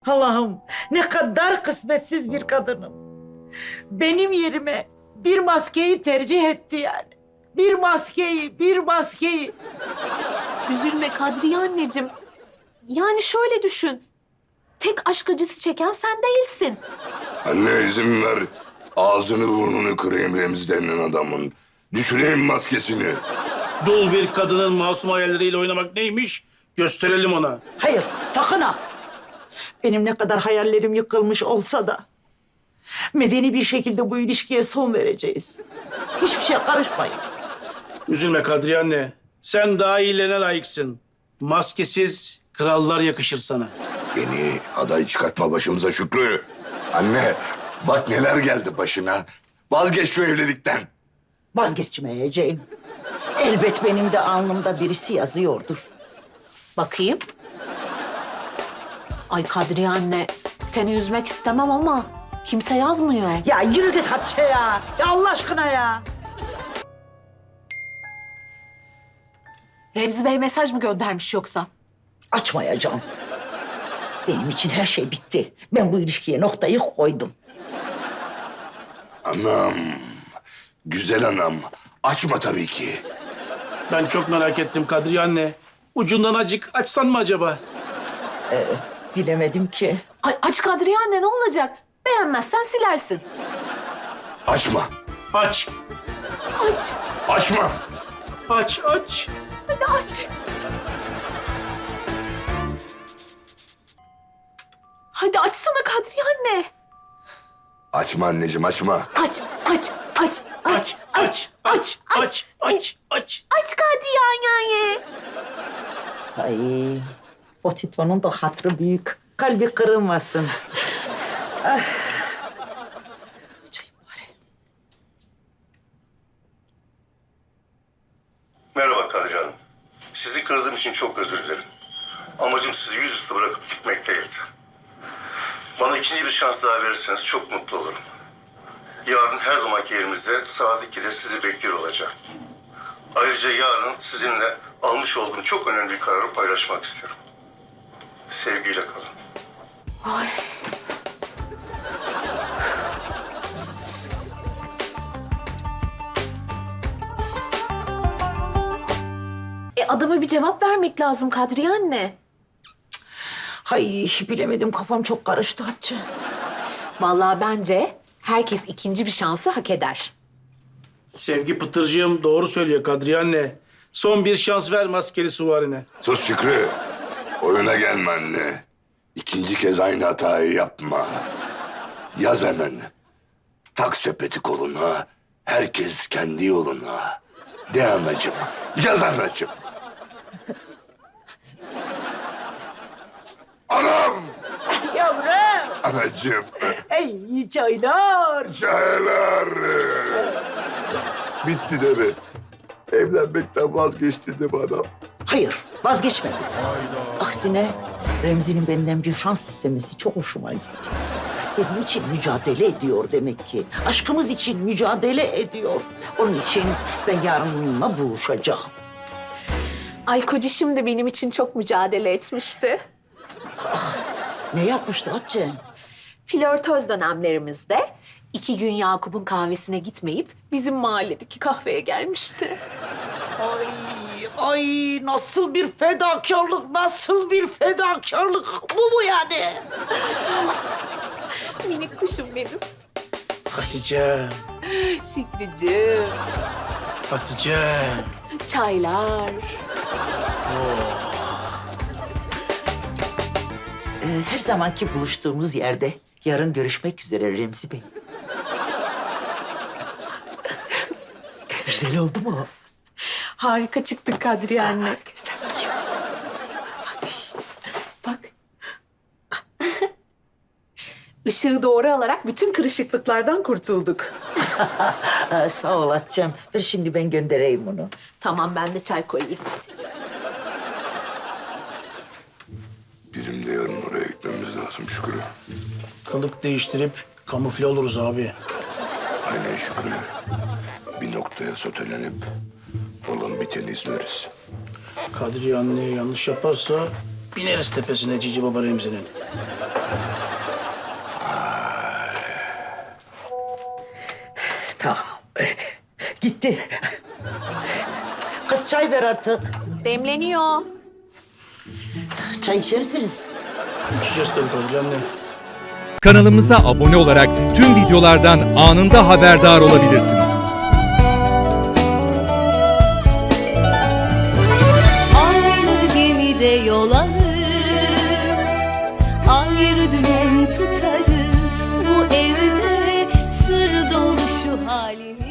Allah'ım ne kadar kısmetsiz bir kadınım. Benim yerime bir maskeyi tercih etti yani. Bir maskeyi. Üzülme Kadriye anneciğim. Yani şöyle düşün. Tek aşk acısı çeken sen değilsin. Anne izin ver. Ağzını burnunu kırayım Remzi denilen adamın. Düşüreyim maskesini. Dul bir kadının masum hayalleriyle oynamak neymiş? Gösterelim ona. Hayır, sakın ha. Benim ne kadar hayallerim yıkılmış olsa da medeni bir şekilde bu ilişkiye son vereceğiz. Hiçbir şeye karışmayın. Üzülme Kadriye anne. Sen daha iyilerine layıksın. Maskesiz krallar yakışır sana. Beni aday çıkartma başımıza Şükrü. Anne bak neler geldi başına. Vazgeç şu evlilikten. Vazgeçmeyeceğim. Elbet benim de alnımda birisi yazıyordur. Bakayım. Ay Kadriye anne, seni üzmek istemem ama kimse yazmıyor. Ya yürü git Hatice ya. Ya Allah aşkına ya. Remzi Bey mesaj mı göndermiş yoksa? Açmayacağım. Benim için her şey bitti. Ben bu ilişkiye noktayı koydum. Anam. Güzel anam. Açma tabii ki. Ben çok merak ettim Kadriye anne. Ucundan acık açsan mı acaba? Bilemedim ki. Ay aç Kadriye anne, ne olacak? Beğenmezsen silersin. Açma. Aç. Aç. Açma. Aç. Hadi aç. Hadi açsana Kadriye anne. Açma anneciğim açma. Aç. Aç Kadriye anne. Ay, o Tito'nun da hatırı büyük. Kalbi kırılmasın. Ah. Çay bari. Merhaba Kadriye Hanım. Sizi kırdığım için çok özür dilerim. Amacım sizi yüzüstü bırakıp gitmek değildi. Bana ikinci bir şans daha verirseniz çok mutlu olurum. Yarın her zamanki yerimizde saat 2'de sizi bekliyor olacağım. Ayrıca yarın sizinle almış olduğum çok önemli bir kararı paylaşmak istiyorum. Sevgiyle kalın. Ay. Adama bir cevap vermek lazım Kadriye anne. Hay bilemedim, kafam çok karıştı Hatice. Vallahi bence herkes ikinci bir şansı hak eder. Sevgi Pıtırcığım doğru söylüyor Kadriye anne. Son bir şans ver maskeli suvarine. Sus Şükrü. Oyuna gelme anne. İkinci kez aynı hatayı yapma. Yaz hemen. Tak sepeti koluna. Herkes kendi yoluna. De anacığım. Yaz anacığım. Anam! Yavrum. Anacığım. Ey çaylar. Çaylar. Bitti de mi? Evlenmekten vazgeçtin de mi adam? Hayır, vazgeçmedim. Aksine Remzi'nin benden bir şans istemesi çok hoşuma gitti. Benim için mücadele ediyor demek ki. Aşkımız için mücadele ediyor. Onun için ben yarın onunla buluşacağım. Ay kocişim de benim için çok mücadele etmişti. Ne yapmıştı Hatice? Flörtöz dönemlerimizde 2 gün Yakup'un kahvesine gitmeyip bizim mahalledeki kahveye gelmişti. Ay nasıl bir fedakarlık, nasıl bir fedakarlık. Bu yani. Minik kuşum benim. Hatice. Şükrücüğüm. Hatice. Çaylar. Her zamanki buluştuğumuz yerde yarın görüşmek üzere Remzi Bey. Güzel oldu mu? Harika çıktık Kadriye anne. Göster bakayım. Bak. Işığı doğru alarak bütün kırışıklıklardan kurtulduk. Sağ ol Hatice'm. Ver şimdi ben göndereyim bunu. Tamam, ben de çay koyayım. Bizim de yarın oraya gitmemiz lazım Şükrü. Kılık değiştirip kamufle oluruz abi. Aynen Şükrü. Bir noktaya sotelenip olan biteni izleriz. Kadriye anne yanlış yaparsa bineriz tepesine Cici Baba Remzi'nin. Gitti. Kız çay ver artık. Demleniyor. Çay içersiniz. İçeceğiz tabii Kadriye anne. Kanalımıza abone olarak tüm videolardan anında haberdar olabilirsiniz. Aynı gemide yol alır, ayrı dümen tutarız. Bu evde sır dolu şu halimiz.